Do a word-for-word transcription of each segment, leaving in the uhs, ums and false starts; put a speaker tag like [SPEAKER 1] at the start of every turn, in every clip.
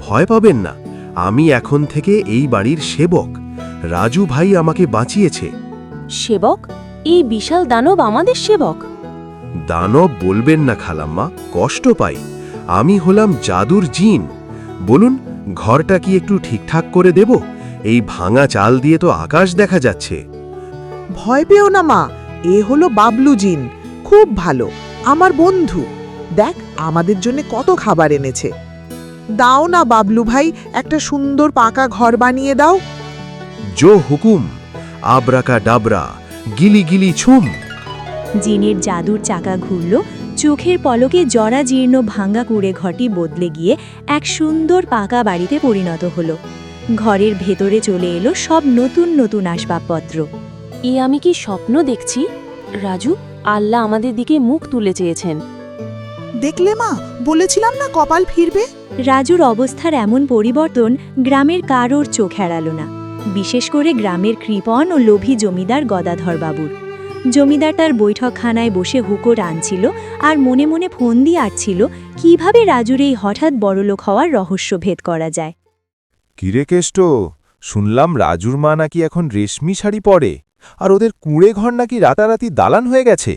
[SPEAKER 1] ভয় পাবেন না, আমি এখন থেকে এই বাড়ির সেবক। রাজু ভাই আমাকে বাঁচিয়েছে।
[SPEAKER 2] সেবক? এই বিশাল দানব আমাদের সেবক?
[SPEAKER 1] দানব বলবেন না খালাম্মা, কষ্ট পাই। আমি হলাম জাদুর জিন। বলুন, ঘরটা কি একটু ঠিকঠাক করে দেব? এই ভাঙা চাল দিয়ে তো আকাশ দেখা যাচ্ছে।
[SPEAKER 3] ভয় পেও না মা, এ হলো বাবলু জিন, খুব ভালো, আমার বন্ধু। দেখ আমাদের জন্য কত খাবার এনেছে। দাও না বাবলু ভাই, একটা সুন্দর পাকা ঘর বানিয়ে দাও।
[SPEAKER 1] জো হুকুম, আবরাকা ডাবরা, গিলি গিলি ছুম।
[SPEAKER 4] জিনের জাদুর চাকা ঘুরল, চোখের পলকে জরাজীর্ণ ভাঙ্গা কুড়ে ঘরটি বদলে গিয়ে এক সুন্দর পাকা বাড়িতে পরিণত হলো। ঘরের ভেতরে চলে এলো সব নতুন নতুন আসবাবপত্র।
[SPEAKER 2] এ আমি কি স্বপ্ন দেখছি? রাজু, আল্লাহ আমাদের দিকে মুখ তুলে চেয়েছেন।
[SPEAKER 3] দেখলে মা, বলেছিলাম না কপাল ফিরবে।
[SPEAKER 4] রাজুর অবস্থার এমন পরিবর্তন গ্রামের কারোর চোখ এড়াল না, বিশেষ করে গ্রামের কৃপণ ও লোভী জমিদার গদাধর বাবুর। জমিদার তার বৈঠকখানায় বসে হুকো আনছিল আর মনে মনে ফোন দিয়ে আটছিল কিভাবে রাজুর এই হঠাৎ বড়লোক হওয়ার রহস্য ভেদ করা যায়।
[SPEAKER 5] কিরে কেষ্ট, শুনলাম রাজুর মা নাকি এখন রেশমি শাড়ি পরে, আর ওদের কুঁড়ে ঘর নাকি রাতারাতি দালান হয়ে গেছে।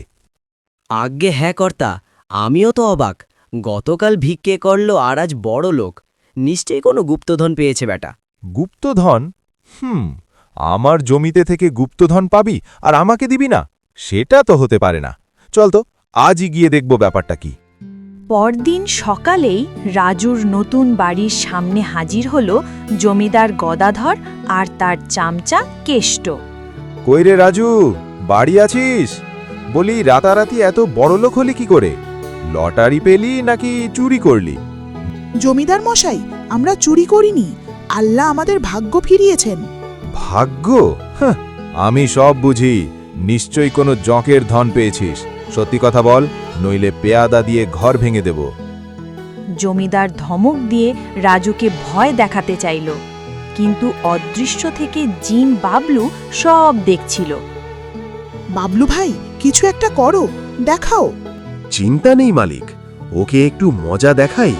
[SPEAKER 6] আজ্ঞে হ্যাঁ কর্তা, আমিও তো অবাক। গতকাল ভিক্ষে করল আর আজ বড় লোক। নিশ্চয়ই কোনো গুপ্তধন পেয়েছে বেটা।
[SPEAKER 5] গুপ্তধন? হুম, আমার জমিতে থেকে গুপ্তধন পাবি আর আমাকে দিবি না? সেটা তো হতে পারে না। চল তো, আজই গিয়ে দেখব ব্যাপারটা কি।
[SPEAKER 7] পরদিন সকালেই রাজুর নতুন বাড়ির সামনে হাজির হল জমিদার গদাধর আর তার চামচা কেষ্ট।
[SPEAKER 5] কইরে রাজু, বাড়ি আছিস? বলি, রাতারাতি এত বড়লোক হলি কি করে? লটারি পেলি নাকি চুরি করলি?
[SPEAKER 3] জমিদার মশাই, আমরা চুরি করিনি, আল্লাহ আমাদের ভাগ্য ফিরিয়েছেন।
[SPEAKER 5] ভাগ্য? হাহ, আমি সব বুঝি। নিশ্চয়ই কোনো জঁকের ধন পেয়েছিস। সত্যি কথা বল, নইলে পেয়াদা দিয়ে ঘর ভেঙে দেব।
[SPEAKER 7] জমিদার ধমক দিয়ে রাজুকে ভয় দেখাতে চাইল, কিন্তু অদৃশ্য থেকে জিন বাবলু সব দেখছিল।
[SPEAKER 3] বাবলু ভাই, কিছু একটা করো, দেখাও।
[SPEAKER 1] চিন্তা নেই মালিক, ওকে একটু মজা দেখাই।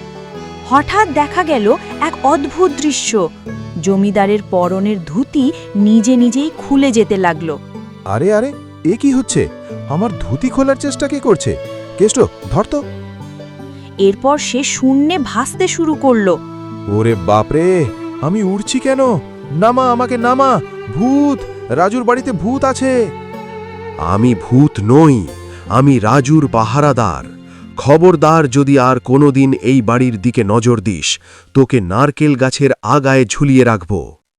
[SPEAKER 7] হঠাৎ দেখা গেল এক অদ্ভুত দৃশ্য। জমিদারের পরনের ধুতি নিজে নিজেই খুলে যেতে লাগলো।
[SPEAKER 5] আরে আরে, এ কি হচ্ছে? আমার ধুতি খোলার চেষ্টা কে করছে? কেষ্ট, ধর তো।
[SPEAKER 7] এরপর সে শূন্যে ভাসতে শুরু করলো।
[SPEAKER 5] ওরে বাপরে, আমি উড়ছি কেন? নামা আমাকে, নামা! ভূত! রাজুর বাড়িতে ভূত আছে।
[SPEAKER 1] আমি ভূত নই, আমি রাজুর পাহারাদার। খবরদার, যদি আর কোনোদিন এই বাড়ির দিকে নজর দিস, তোকে নারকেল গাছের আগায় ঝুলিয়ে রাখব।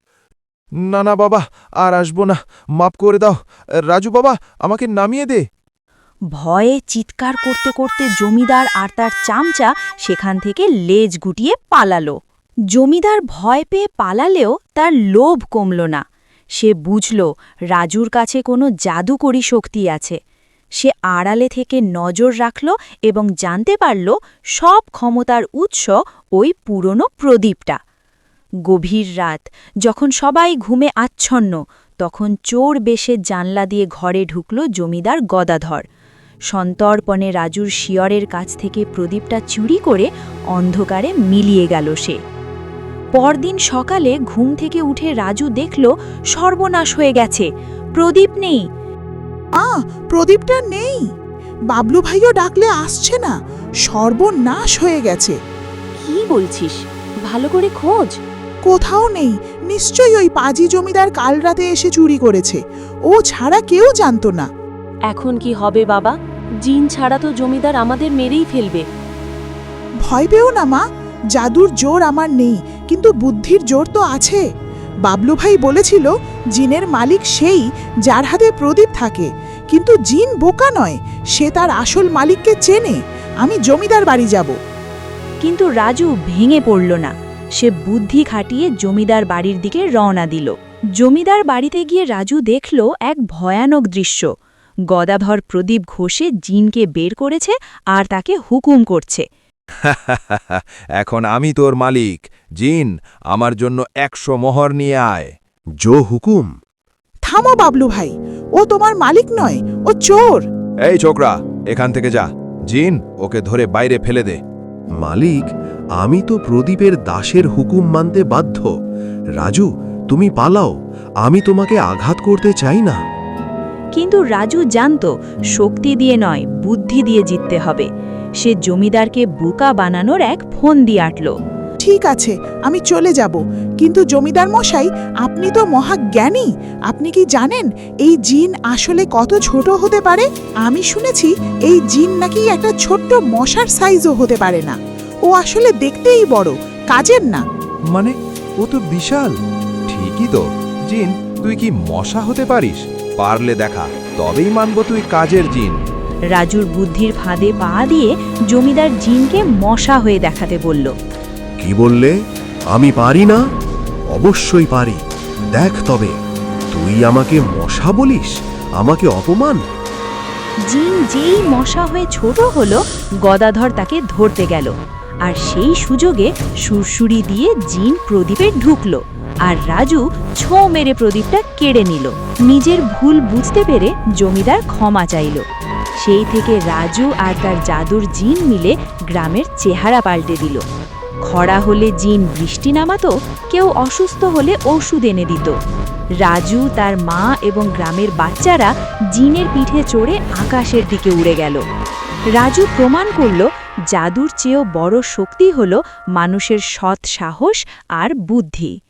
[SPEAKER 5] না না বাবা, আর আসবো না, মাপ করে দাও। রাজু বাবা, আমাকে নামিয়ে দে।
[SPEAKER 7] ভয়ে চিৎকার করতে করতে জমিদার আর তার চামচা সেখান থেকে লেজ গুটিয়ে পালালো। জমিদার ভয় পেয়ে পালালেও তার লোভ কমল না। সে বুঝল রাজুর কাছে কোনো জাদুকরী শক্তি আছে। সে আড়ালে থেকে নজর রাখল এবং জানতে পারল সব ক্ষমতার উৎস ওই পুরনো প্রদীপটা। গভীর রাত, যখন সবাই ঘুমে আচ্ছন্ন, তখন চোর বেশে জানলা দিয়ে ঘরে ঢুকল জমিদার গদাধর। সন্তর্পণে রাজুর শিয়রের কাছ থেকে প্রদীপটা চুরি করে অন্ধকারে মিলিয়ে গেল সে। পরদিন সকালে ঘুম থেকে উঠে রাজু দেখল সর্বনাশ হয়ে গেছে, প্রদীপ নেই।
[SPEAKER 3] আ প্রদীপটা নেই। বাবলু ভাইও ডাকলে আসছে না, সর্বনাশ হয়ে গেছে।
[SPEAKER 2] কি বলছিস? ভালো করে খোঁজ।
[SPEAKER 3] কোথাও নেই, নিশ্চয়ই ওই পাজি জমিদার কাল রাতে এসে চুরি করেছে, ও ছাড়া কেউ জানতো না।
[SPEAKER 2] এখন কি হবে বাবা? জিন ছাড়া তো জমিদার আমাদের মেরেই ফেলবে।
[SPEAKER 3] ভয় পেও না মা, জাদুর জোর আমার নেই, কিন্তু বুদ্ধির জোর তো আছে। বাবলু ভাই বলেছিল জিনের মালিক সেই যার হাতে প্রদীপ থাকে, কিন্তু জিন বোকা নয়, সে তার আসল মালিককে চেনে। আমি জমিদার বাড়ি যাব।
[SPEAKER 7] কিন্তু রাজু ভেঙে পড়ল না। সে বুদ্ধি খাটিয়ে জমিদার বাড়ির দিকে রওনা দিল। জমিদার বাড়িতে গিয়ে রাজু দেখল এক ভয়ানক দৃশ্য। গদাধর প্রদীপ ঘষে জিনকে বের করেছে আর তাকে হুকুম করছে,
[SPEAKER 5] এখন আমি তোর মালিক। জিন, আমার জন্য একশো মোহর নিয়ে আয়।
[SPEAKER 1] জো হুকুম।
[SPEAKER 3] থামো বাবলু ভাই, ও তোমার মালিক নয়, ও চোর।
[SPEAKER 5] এই ছোকরা, এখান থেকে যা। জিন, ওকে ধরে বাইরে ফেলে দে।
[SPEAKER 1] মালিক, আমি তো প্রদীপের দাসের হুকুম মানতে বাধ্য। রাজু, তুমি পালাও, আমি তোমাকে আঘাত করতে চাই না।
[SPEAKER 7] কিন্তু রাজু জানত শক্তি দিয়ে নয়, বুদ্ধি দিয়ে জিততে হবে। সে জমিদারকে বোকা বানানোর এক ফোন দিয়ে আটল।
[SPEAKER 3] ঠিক আছে, আমি চলে যাব, কিন্তু জমিদার মশাই, আপনি তো মহাজ্ঞানী। আপনি কি জানেন এই জিন আসলে কত ছোট হতে পারে? আমি শুনেছি এই জিন নাকি একটা ছোট্ট মশার সাইজও হতে পারে না। ও আসলে দেখতেই বড়, কাজের না।
[SPEAKER 5] মানে ও তো বিশাল। ঠিকই তো, জিন, তুই কি মশা হতে পারিস? পারলে দেখা, তবেই মানব তুই কাজের জিন।
[SPEAKER 7] রাজুর বুদ্ধির ফাঁদে পা দিয়ে জমিদার জিনকে মশা হয়ে দেখাতে বলল।
[SPEAKER 1] কি বললে? আমি পারি না? অবশ্যই পারি। দেখ তবে, তুই আমাকে মশা বলিস? আমাকে অপমান!
[SPEAKER 7] জিন যেই মশা হয়ে ছোট হলো, গদাধর তাকে ধরতে গেল, আর সেই সুযোগে সুরসুরি দিয়ে জিন প্রদীপে ঢুকল, আর রাজু ছো মেরে প্রদীপটা কেড়ে নিল। নিজের ভুল বুঝতে পেরে জমিদার ক্ষমা চাইল। সেই থেকে রাজু আর তার জাদুর জিন মিলে গ্রামের চেহারা পাল্টে দিল। খরা হলে জিন বৃষ্টি নামাতো, কেউ অসুস্থ হলে ওষুধ এনে দিত। রাজু, তার মা এবং গ্রামের বাচ্চারা জিনের পিঠে চড়ে আকাশের দিকে উড়ে গেল। রাজু প্রমাণ করল জাদুর চেয়েও বড় শক্তি হল মানুষের সৎ সাহস আর বুদ্ধি।